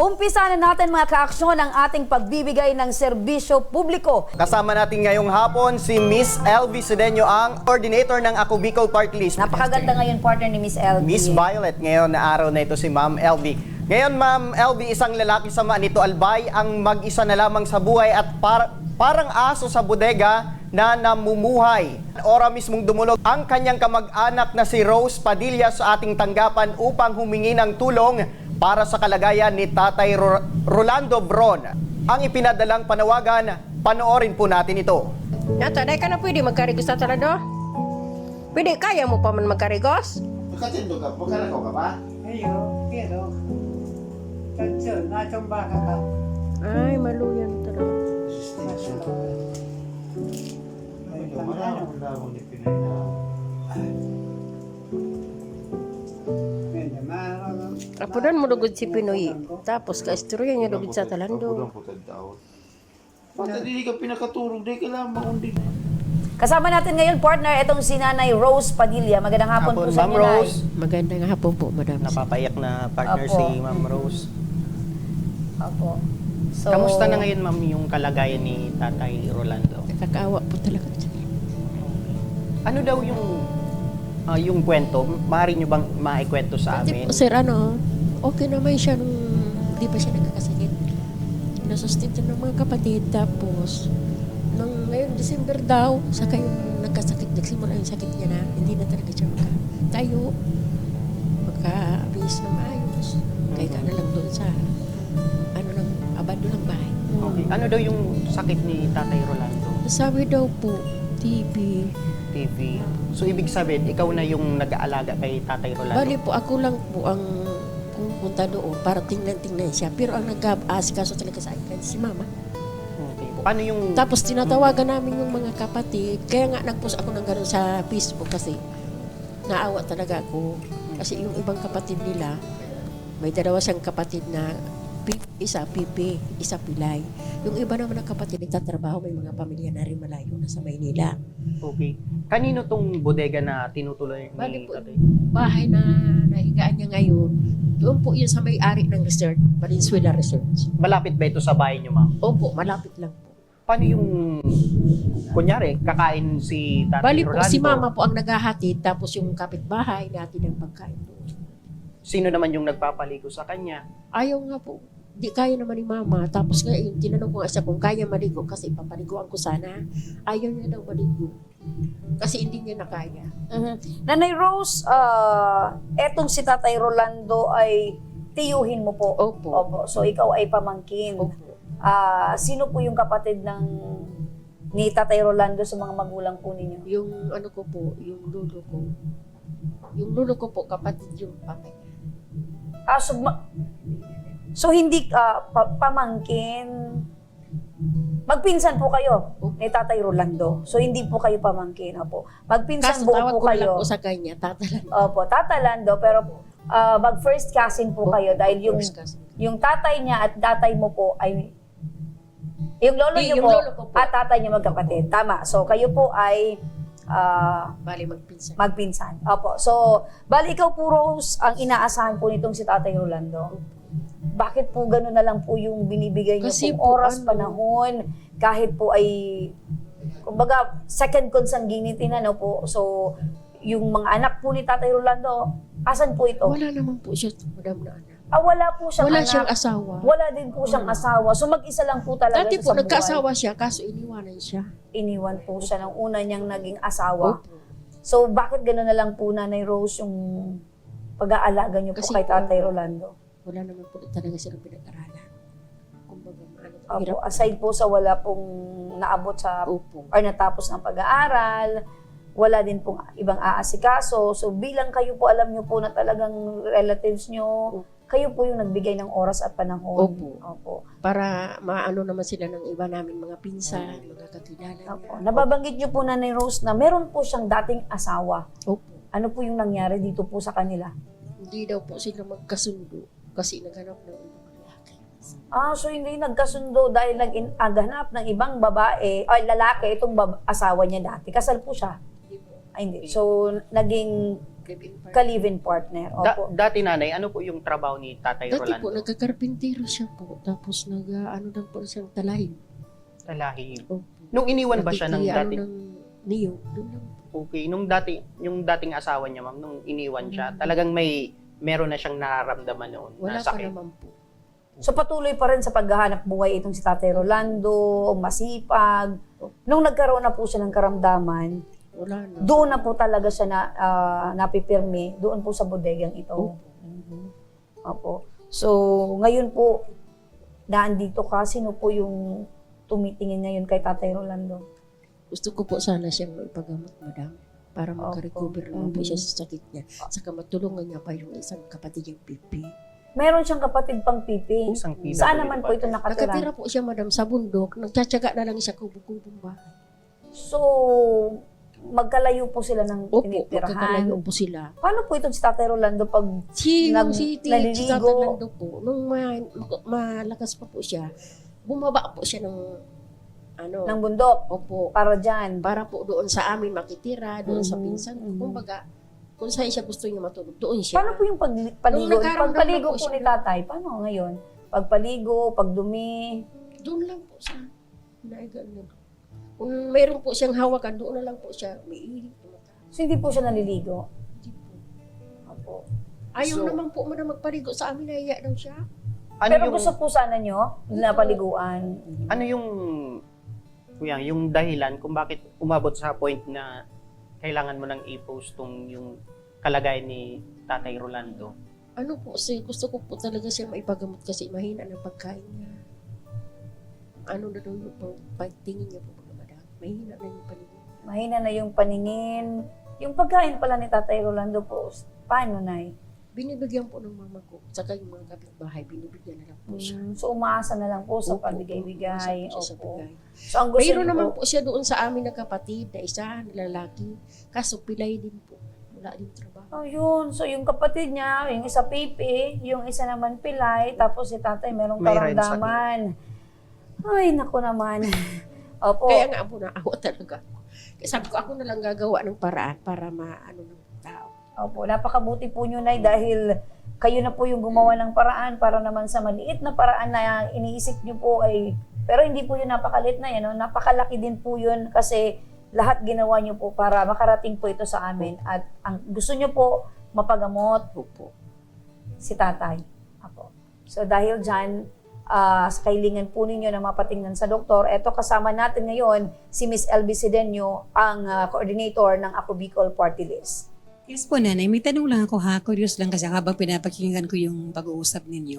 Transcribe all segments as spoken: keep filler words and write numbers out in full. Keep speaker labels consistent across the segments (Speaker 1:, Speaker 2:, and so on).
Speaker 1: Umpisa na natin mga kaaksyon ang ating pagbibigay ng serbisyo publiko.
Speaker 2: Kasama natin ngayong hapon si Miss Elvie Sedeño, ang coordinator ng Ako Bicol Party List.
Speaker 1: Napakaganda ngayon partner ni Miss Elvie.
Speaker 2: Miss Violet ngayon na araw na ito si Ma'am Elvie. Ngayon Ma'am Elvie, isang lalaki sa Manito Albay ang mag-isa na lamang sa buhay at par parang aso sa bodega na namumuhay. Ora mismong dumulog ang kanyang kamag-anak na si Rose Padilla sa ating tanggapan upang humingi ng tulong para sa kalagayan ni Tatay Ro Rolando Bron. Ang ipinadalang panawagan, panoorin po natin ito.
Speaker 3: Yata, dahil ka na pwede magkarigos sa talado? Pwede, kaya mo pa man magkarigos?
Speaker 2: Makatindo ka, magkaragaw ka ba?
Speaker 4: Ayo, pero tanso, natumba ka ka.
Speaker 3: Ay, maluyan talaga.
Speaker 4: Ay, maraming daw ni Pinay na.
Speaker 3: Apudan mo dugod si Pinoy. Tapos ka-istorya niya dugod sa talando.
Speaker 5: Pati hindi ka pinakatulog, di ka lang makundi.
Speaker 1: Kasama natin ngayon partner itong si Nanay Rose Padilla. Magandang hapon, po sa
Speaker 2: Ma'am
Speaker 1: inyo, Nay.
Speaker 2: Rose.
Speaker 3: Magandang hapon po, madam.
Speaker 2: Napapayak na partner
Speaker 1: Apo.
Speaker 2: si Ma'am Rose.
Speaker 1: Opo. So,
Speaker 2: Kamusta na ngayon ma'am yung kalagayan ni Tatay Rolando?
Speaker 3: Nakakaawa po talaga.
Speaker 2: Ano daw yung ah, yung kwento? Maaari nyo bang maikwento sa
Speaker 3: Pati
Speaker 2: amin?
Speaker 3: po, sir, ano, okay naman siya nung di pa siya nagkakasakit. Nasustinto ng mga kapatid. Tapos, nung ngayon, December daw, saka yung nagkasakit, nagsimula yung sakit niya na, hindi na talaga siya magkatayo, magka-abis na maayos. Kaya ka na lang doon sa, ano lang, abado lang bahay.
Speaker 2: Okay. Ano daw yung sakit ni Tatay Rolando?
Speaker 3: Sabi daw po, T B.
Speaker 2: T V. So ibig sabihin, ikaw na yung nag-aalaga kay Tatay Rolando?
Speaker 3: Bali po, ako lang po ang pumunta doon para tingnan-tingnan siya. Pero ang nag-aasikaso talaga sa akin, si mama.
Speaker 2: Okay. Paano yung...
Speaker 3: Tapos tinatawagan namin yung mga kapatid. Kaya nga nag-post ako ng gano'n sa Facebook kasi naawa talaga ako. Kasi yung ibang kapatid nila, may dalawa siyang kapatid na pi- isa Pipi, isa Pilay. Yung iba naman ng kapatid nagtatrabaho, may mga pamilya na rin malayo na sa Maynila.
Speaker 2: Okay. Kanino tong bodega na tinutuloy ni
Speaker 3: Bali po,
Speaker 2: Tatay?
Speaker 3: bahay na nahigaan niya ngayon, doon po yun sa may-ari ng resort, Valenzuela Resorts.
Speaker 2: Malapit ba ito sa bahay nyo ma'am?
Speaker 3: Opo, malapit lang po.
Speaker 2: Paano yung... Kunyari, kakain si Tatay
Speaker 3: Bali po,
Speaker 2: Rolando?
Speaker 3: si mama po ang naghahatid, tapos yung kapitbahay natin ang pagkain doon.
Speaker 2: Sino naman yung nagpapaligo sa kanya?
Speaker 3: Ayaw nga po. Di kaya naman ni mama. Tapos ngayon, tinanong ko nga siya kung kaya maligo kasi ipapaliguan ko sana. Ayaw niya daw maligo. Kasi hindi niya na kaya.
Speaker 1: Mhm. Nanay Rose, ah, etong si Tatay Rolando ay tiyuhin mo po.
Speaker 3: Opo.
Speaker 1: Opo. So ikaw ay pamangkin.
Speaker 3: Opo.
Speaker 1: Ah, sino po yung kapatid ng ni Tatay Rolando sa mga magulang po ninyo?
Speaker 3: Yung ano ko po, yung lulo ko. Yung lulo ko po, kapatid yung papay.
Speaker 1: Ah, so, ma- so hindi ah, pa- pamangkin. Magpinsan po kayo ni Tatay Rolando. So hindi po kayo pamangkin. Opo. Magpinsan
Speaker 3: Kaso
Speaker 1: buo
Speaker 3: tawag
Speaker 1: po
Speaker 3: ko lang
Speaker 1: kayo.
Speaker 3: po sa kanya, tatalan.
Speaker 1: Opo, tatalando pero ah, mag first cousin po kayo dahil yung
Speaker 3: First cousin.
Speaker 1: yung tatay niya at tatay mo po ay yung lolo
Speaker 3: Di,
Speaker 1: niyo
Speaker 3: yung
Speaker 1: po,
Speaker 3: lolo ko po.
Speaker 1: at tatay niyo magkapatid. Tama. So kayo po ay ah,
Speaker 3: Bali, magpinsan.
Speaker 1: magpinsan. Opo. So, bali ikaw po Rose ang inaasahan po nitong si Tatay Rolando. Bakit po gano'n na lang po yung binibigay niyo
Speaker 3: Kasi
Speaker 1: pong
Speaker 3: po,
Speaker 1: oras,
Speaker 3: ano,
Speaker 1: panahon, kahit po ay, kumbaga, second consanguinity na, no po. So, yung mga anak po ni Tatay Rolando, asan po ito?
Speaker 3: Wala naman po siya, madam na anak.
Speaker 1: Ah, wala po siyang
Speaker 3: Wala
Speaker 1: anak.
Speaker 3: siyang asawa.
Speaker 1: Wala din po siyang asawa. So, mag-isa lang po talaga
Speaker 3: Dati
Speaker 1: siya
Speaker 3: po,
Speaker 1: sa buhay.
Speaker 3: nagkaasawa siya, kaso iniwanan siya.
Speaker 1: Iniwan po siya ng una niyang naging asawa.
Speaker 3: Opo.
Speaker 1: So, bakit gano'n na lang po, Nanay Rose, yung pag-aalaga niyo po
Speaker 3: Kasi
Speaker 1: kay Tatay
Speaker 3: po,
Speaker 1: Rolando?
Speaker 3: Wala naman po talaga silang pinag-aralan. Kumbaga, ano,
Speaker 1: Opo,
Speaker 3: hirap.
Speaker 1: aside po sa wala pong naabot sa
Speaker 3: Opo.
Speaker 1: or natapos ng pag-aaral, wala din pong ibang aasikaso. So, bilang kayo po, alam niyo po na talagang relatives niyo, kayo po yung nagbigay ng oras at panahon.
Speaker 3: Opo.
Speaker 1: Opo.
Speaker 3: Para maano naman sila ng iba namin mga pinsan, mga kakilala
Speaker 1: Opo.
Speaker 3: niya.
Speaker 1: Nababanggit niyo po, Nanay Rose, na meron po siyang dating asawa.
Speaker 3: Opo.
Speaker 1: Ano po yung nangyari dito po sa kanila?
Speaker 3: Hindi daw po sila magkasundo kasi naghanap ng ibang lalaki.
Speaker 1: Ah, so hindi nagkasundo dahil nag-aganap ng ibang babae, ay lalaki, itong bab- asawa niya dati. Kasal po siya.
Speaker 3: Hindi po.
Speaker 1: Ay, hindi. So, naging
Speaker 3: live-in partner.
Speaker 1: Ka-live-in partner.
Speaker 2: Da-
Speaker 1: Opo.
Speaker 2: dati nanay, ano po yung trabaho ni Tatay
Speaker 3: Dati po,
Speaker 2: Rolando?
Speaker 3: nagkakarpintero siya po. Tapos nag, ah, ano lang po siyang talahib.
Speaker 2: Talahib.
Speaker 3: Opo.
Speaker 2: Nung iniwan ba siya ng
Speaker 3: Nagkiki-
Speaker 2: dati?
Speaker 3: Ano ng niyo. Doon lang.
Speaker 2: Okay, nung dati, yung dating asawa niya, ma'am, nung iniwan siya,
Speaker 3: Mm.
Speaker 2: talagang may, meron na siyang nararamdaman noon
Speaker 3: Wala
Speaker 2: na
Speaker 3: pa
Speaker 2: sakit.
Speaker 3: naman po.
Speaker 1: So patuloy pa rin sa paghahanap buhay itong si Tatay Rolando, masipag. Nung nagkaroon na po siya ng karamdaman,
Speaker 3: Wala na.
Speaker 1: doon na po talaga siya na, ah, napipirmi, doon po sa bodegang ito.
Speaker 3: Opo.
Speaker 1: Mhm. Opo. So, ngayon po, naandito ka, sino po yung tumitingin ngayon kay Tatay Rolando?
Speaker 3: Gusto ko po sana siyang maipagamot, madam. Para makarecover naman po
Speaker 1: Mhm.
Speaker 3: siya sa sakit niya. Saka matulungan niya pa yung isang kapatid niyang pipi.
Speaker 1: Meron siyang kapatid pang pipi.
Speaker 2: Isang P W D
Speaker 1: Saan naman
Speaker 2: pa.
Speaker 1: po ito nakatira?
Speaker 3: Nakatira po siya, madam, sa bundok. Nagtsatsaga na lang siya kubong-kubong bahay.
Speaker 1: So, magkalayo po sila ng
Speaker 3: Opo,
Speaker 1: tinitirahan.
Speaker 3: magkakalayo po sila.
Speaker 1: Paano po itong si Tatay Rolando pag
Speaker 3: Si,
Speaker 1: Nag-
Speaker 3: yung si T.
Speaker 1: naliligo.
Speaker 3: Si Tatalando po, nung ma, ma- malakas pa po siya, bumaba po siya ng, ano,
Speaker 1: ng bundok
Speaker 3: opo,
Speaker 1: para dyan?
Speaker 3: para po doon sa amin makitira, doon sa
Speaker 1: Mhm,
Speaker 3: pinsan ko.
Speaker 1: mhm.
Speaker 3: Kumbaga, kung saan siya gusto niya matulog, doon siya.
Speaker 1: Paano po yung pag, paligo?
Speaker 3: Nung nagkaroon
Speaker 1: Pagpaligo
Speaker 3: na po
Speaker 1: po
Speaker 3: siya
Speaker 1: ni
Speaker 3: ng-
Speaker 1: Tatay, paano ngayon? Pagpaligo, pagdumi,
Speaker 3: Doon lang po siya. Naigan na. Kung mayroon po siyang hawakan, doon na lang po siya. May ilig.
Speaker 1: so hindi po siya naliligo?
Speaker 3: Hindi po.
Speaker 1: Opo.
Speaker 3: Ayaw
Speaker 2: So-
Speaker 3: naman po man magpaligo sa amin, nahiya daw siya.
Speaker 2: Ano
Speaker 1: Pero
Speaker 2: yung,
Speaker 1: gusto po sana nyo na paliguan.
Speaker 2: ano yung, kuya, yung dahilan kung bakit umabot sa point na kailangan mo nang i-post tong yung kalagayan ni Tatay Rolando?
Speaker 3: Ano po, kasi gusto ko po talaga siya maipagamot kasi mahina ng pagkain niya. Ano na daw yung pag- pagtingin niya po, mga madam. Mahina na yung paningin.
Speaker 1: Mahina na yung paningin. Yung pagkain pala ni Tatay Rolando po, paano na
Speaker 3: Binibigyan po ng mama ko, saka yung mga kapitbahay, binibigyan na lang po siya.
Speaker 1: So umaasa na lang po sa
Speaker 3: Opo,
Speaker 1: pabigay-bigay.
Speaker 3: umaasa po siya sa
Speaker 1: Opo.
Speaker 3: bigay.
Speaker 1: So ang gusto
Speaker 3: Mayroon
Speaker 1: niyo
Speaker 3: naman
Speaker 1: po,
Speaker 3: po siya doon sa amin na kapatid na isa, na lalaki. Kaso pilay din po. Wala din trabaho.
Speaker 1: oh yun. So yung kapatid niya, yung isa pipi, yung isa naman pilay, tapos si tatay merong
Speaker 2: May red
Speaker 1: karamdaman. Ay, naku naman. Opo.
Speaker 3: Kaya nga po naawa talaga ako. Kaya sabi ko, ako na lang gagawa ng paraan para maano ng tao.
Speaker 1: Opo, napakabuti po nyo, Nay, dahil kayo na po yung gumawa ng paraan para naman sa maliit na paraan na iniisip nyo po ay, pero hindi po yun napakalit na yan, no? Napakalaki din po yun kasi lahat ginawa nyo po para makarating po ito sa amin at ang gusto nyo po mapagamot
Speaker 3: Opo.
Speaker 1: si tatay. Apo. So dahil dyan, ah, sa kailingan po ninyo na mapatingnan sa doktor, eto kasama natin ngayon si Miss L B Cedeño, ang ah, coordinator ng Ako Bicol Party List.
Speaker 6: Yes po, nanay. May tanong lang ako ha. Curious lang kasi habang pinapakinggan ko yung pag-uusap ninyo.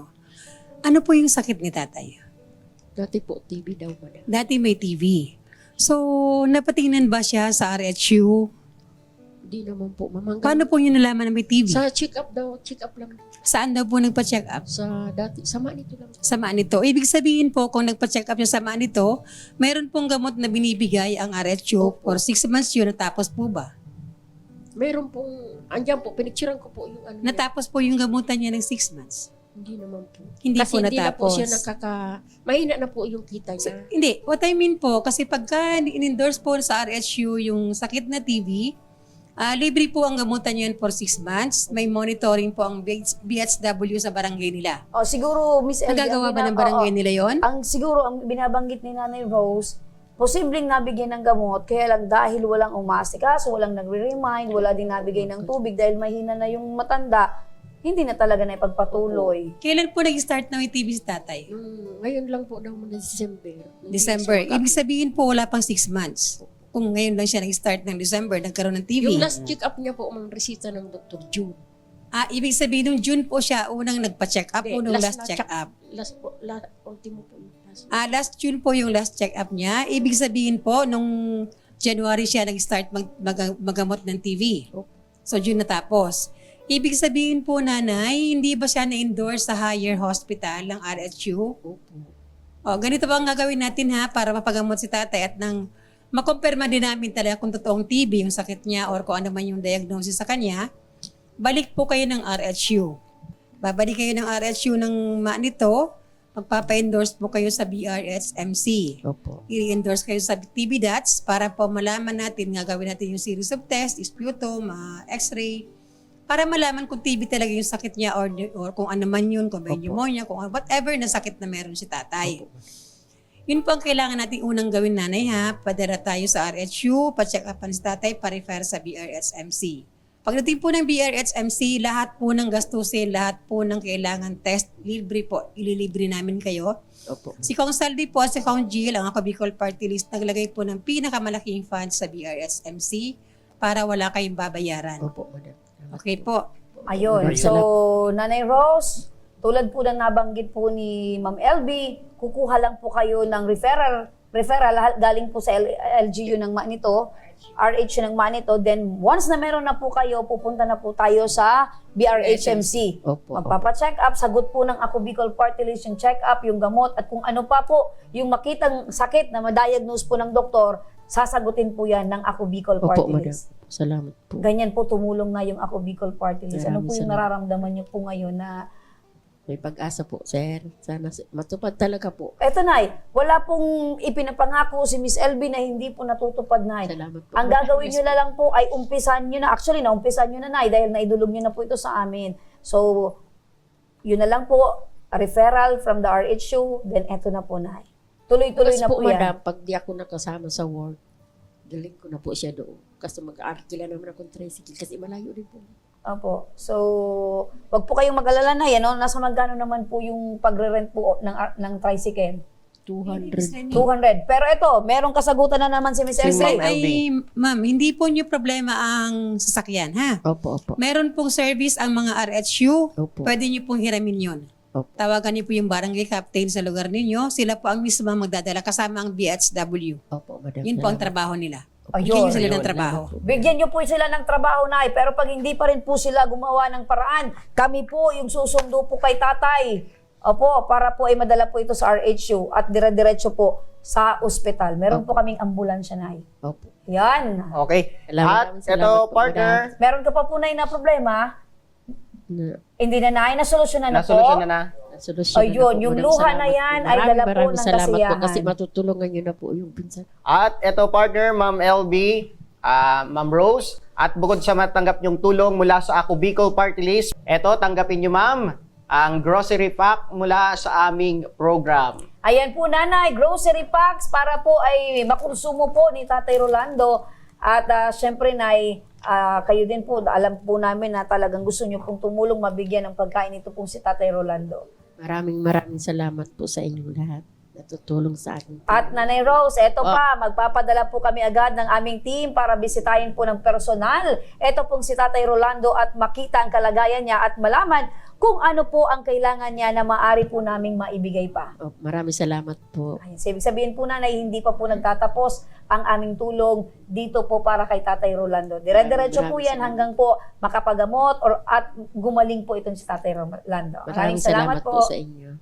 Speaker 6: Ano po yung sakit ni tatay?
Speaker 3: Dati po, T V daw madam.
Speaker 6: Dati may T V. So, napatingnan ba siya sa R H U?
Speaker 3: Hindi naman po. Mamanggang.
Speaker 6: Paano po niyo nalaman na may T V?
Speaker 3: Sa check-up daw, check-up lang.
Speaker 6: Saan daw po nagpa-check up?
Speaker 3: Sa dati, sama nito lang.
Speaker 6: Samaan nito. Ibig sabihin po, kung nagpa-check up yung samaan nito, mayroon pong gamot na binibigay ang R H U for six months yun. Natapos po ba?
Speaker 3: Meron pong, andyan po, pinicturean ko po yung ano. niya.
Speaker 6: Natapos po yung gamutan niya ng six months.
Speaker 3: Hindi naman po.
Speaker 6: Hindi
Speaker 3: Kasi
Speaker 6: po
Speaker 3: hindi na po
Speaker 6: natapos.
Speaker 3: siya nakaka, mahina na po yung kita
Speaker 6: So,
Speaker 3: niya.
Speaker 6: hindi. What I mean po, kasi pagka in-endorse po sa R H U yung sakit na T V, ah libre po ang gamutan yun for six months. May monitoring po ang B H W sa barangay nila.
Speaker 1: O siguro, Miss L B,
Speaker 6: Nagagawa
Speaker 1: ang
Speaker 6: ba
Speaker 1: bina-
Speaker 6: ng barangay
Speaker 1: oo.
Speaker 6: nila yon?
Speaker 1: Ang siguro ang binabanggit ni Nanay Rose, posibleng nabigyan ng gamot, kaya lang dahil walang umaasikaso, walang nagre-remind, wala din nabigay ng tubig dahil mahina na yung matanda, hindi na talaga na ipagpatuloy.
Speaker 6: Kailan po nag-start na may T V si tatay?
Speaker 3: Hmm, ngayon lang po daw muna December.
Speaker 6: December. Ibig sabihin po wala pang six months. Kung ngayon lang siya nag-start ng December, nagkaroon ng T V.
Speaker 3: Yung last check-up niya po, ang resita ng Doctor June.
Speaker 6: Ah, ibig sabihin nung June po siya unang nagpa-check up
Speaker 3: Hindi,
Speaker 6: o nung
Speaker 3: last
Speaker 6: last
Speaker 3: na
Speaker 6: check
Speaker 3: check-
Speaker 6: up?
Speaker 3: Last po, last, ultimo po yung last.
Speaker 6: Ah, last June po yung last check up niya. Ibig sabihin po nung January siya nag-start mag, mag- magamot ng T V.
Speaker 3: Opo.
Speaker 6: So June natapos. Ibig sabihin po, nanay, hindi ba siya na-endorse sa higher hospital ng R H U?
Speaker 3: Opo.
Speaker 6: O, ganito ba ang gagawin natin ha para mapagamot si tatay at nang makumpirma din namin talaga kung totoong T B yung sakit niya or kung ano man yung diagnosis sa kanya, balik po kayo ng R H U. Babalik kayo ng R H U ng ma nito, magpapa-endorse po kayo sa B R S M C.
Speaker 3: Opo.
Speaker 6: I-endorse kayo sa T B D A T S para po malaman natin, gagawin natin yung series of tests, sputum, uh, x-ray, para malaman kung T B talaga yung sakit niya or, or kung ano man yun, kung may pneumonia, kung whatever na sakit na meron si tatay. Yun po ang kailangan natin unang gawin, nanay, ha. Padala tayo sa R H U, pa-check upan si tatay, pa-refer sa B R S M C. Pagdating po ng B R S M C, lahat po ng gastusin, lahat po ng kailangan test, libre po, ililibre namin kayo.
Speaker 3: Opo.
Speaker 6: Si Kong Saldi po, si Kong Jill, ang ako Bicol Party List, naglagay po ng pinakamalaking funds sa B R S M C para wala kayong babayaran.
Speaker 3: Opo, madam.
Speaker 6: Okay po.
Speaker 1: Ayun.
Speaker 3: Maraming
Speaker 1: So, Nanay Rose, tulad po ng nabanggit po ni Ma'am L B, kukuha lang po kayo ng referral, referral galing po sa L- LGU ng Manito, R H U ng Manito. Then, once na meron na po kayo, pupunta na po tayo sa B R H M C.
Speaker 3: Opo.
Speaker 1: Magpapa-check up, sagot po ng Ako Bicol Party List yung check up, yung gamot, at kung ano pa po, yung makitang sakit na ma-diagnose po ng doktor, sasagutin po yan ng Ako Bicol
Speaker 3: Opo,
Speaker 1: Party
Speaker 3: madam.
Speaker 1: List.
Speaker 3: Salamat po.
Speaker 1: Ganyan po tumulong na yung Ako Bicol Party List. Ano po yung
Speaker 3: Maraming salamat.
Speaker 1: nararamdaman niyo po ngayon na,
Speaker 3: May pag-asa po, sir. Sana si- matupad talaga po.
Speaker 1: eto Nay, wala pong ipinapangako si Miss L B na hindi po natutupad, Nay.
Speaker 3: Salamat po.
Speaker 1: Ang gagawin nyo na lang po ay umpisan nyo na. Actually, naumpisan nyo na, Nay, dahil naidulog nyo na po ito sa amin. So, yun na lang po, a referral from the R H U, then eto na po, Nay. Tuloy-tuloy
Speaker 3: Kasi
Speaker 1: na
Speaker 3: po,
Speaker 1: po yan.
Speaker 3: madam, pag di ako nakasama sa work, galing ko na po siya doon. Kasi mag-aarkila naman akong tricycle kasi malayo rin po.
Speaker 1: Opo. So, wag po kayong mag-alala na yan. No? Nasa magkano naman po yung pagre-rent po ng, ng tricycle?
Speaker 3: two hundred.
Speaker 1: two hundred. Pero ito, merong kasagutan na naman si Miss
Speaker 2: Si
Speaker 1: Elsie.
Speaker 2: Ma'am L B.
Speaker 6: Ay, ma'am, hindi po niyo problema ang sasakyan, ha?
Speaker 3: Opo, opo.
Speaker 6: Meron pong service ang mga R H U.
Speaker 3: Opo.
Speaker 6: Pwede niyo pong hiramin yun.
Speaker 3: Opo.
Speaker 6: Tawagan niyo po yung barangay captain sa lugar ninyo. Sila po ang mismo ang magdadala kasama ang B H W.
Speaker 3: Opo, madam.
Speaker 6: Yun po ang
Speaker 3: Salamat.
Speaker 6: trabaho nila.
Speaker 1: Ayun.
Speaker 6: Bigyan niyo sila ng
Speaker 3: Ayun,
Speaker 6: trabaho.
Speaker 1: Bigyan niyo po sila ng trabaho, Nay. Pero pag hindi pa rin po sila gumawa ng paraan, kami po yung susundo po kay tatay. Opo, para po ay madala po ito sa R H U at dire-diretso po sa ospital. Meron po kaming ambulansya, Nay.
Speaker 3: Opo.
Speaker 1: Yan.
Speaker 2: Okay.
Speaker 3: Salamat,
Speaker 2: At
Speaker 3: maraming
Speaker 2: ito,
Speaker 3: salamat po,
Speaker 2: partner,
Speaker 1: Meron ka pa po, Nay, na problema?
Speaker 3: Na,
Speaker 1: Hindi na, Nay. Nasolusyonan na po.
Speaker 2: nasolusyon na na.
Speaker 3: solusyon
Speaker 1: Ayun,
Speaker 3: na po,
Speaker 1: yung
Speaker 3: madam.
Speaker 1: luha
Speaker 3: Salamat
Speaker 1: na yan
Speaker 3: po.
Speaker 1: ay
Speaker 3: Maraming,
Speaker 1: dala po
Speaker 3: maraming
Speaker 1: ng
Speaker 3: salamat po
Speaker 1: kasiyahan.
Speaker 3: kasi matutulungan nyo na po yung pinsan.
Speaker 2: At ito, partner, Ma'am L B, ah, Ma'am Rose, at bukod sa matanggap yung tulong mula sa Ako Bicol Party List, ito, tanggapin nyo, ma'am, ang grocery pack mula sa aming program.
Speaker 1: Ayan po, Nanay, grocery packs para po ay makonsumo po ni Tatay Rolando. At uh, syempre, Nay, ah, kayo din po, alam po namin na talagang gusto nyo pong tumulong mabigyan ng pagkain ito pong si Tatay Rolando.
Speaker 3: Maraming maraming salamat po sa inyong lahat. Natutulong sa akin.
Speaker 1: At Nanay Rose, eto
Speaker 3: Ah.
Speaker 1: pa, magpapadala po kami agad ng aming team para bisitahin po ng personal. Eto pong si Tatay Rolando at makita ang kalagayan niya at malaman kung ano po ang kailangan niya na maaari po naming maibigay pa.
Speaker 3: Oh, maraming salamat po.
Speaker 1: Ayun, so ibig sabihin po, Nanay, hindi pa po nagtatapos ang aming tulong dito po para kay Tatay Rolando. Dire-diretso po
Speaker 3: Maraming
Speaker 1: yan
Speaker 3: salamat.
Speaker 1: hanggang po makapagamot or at gumaling po itong si Tatay Rolando.
Speaker 3: Maraming salamat po sa inyo.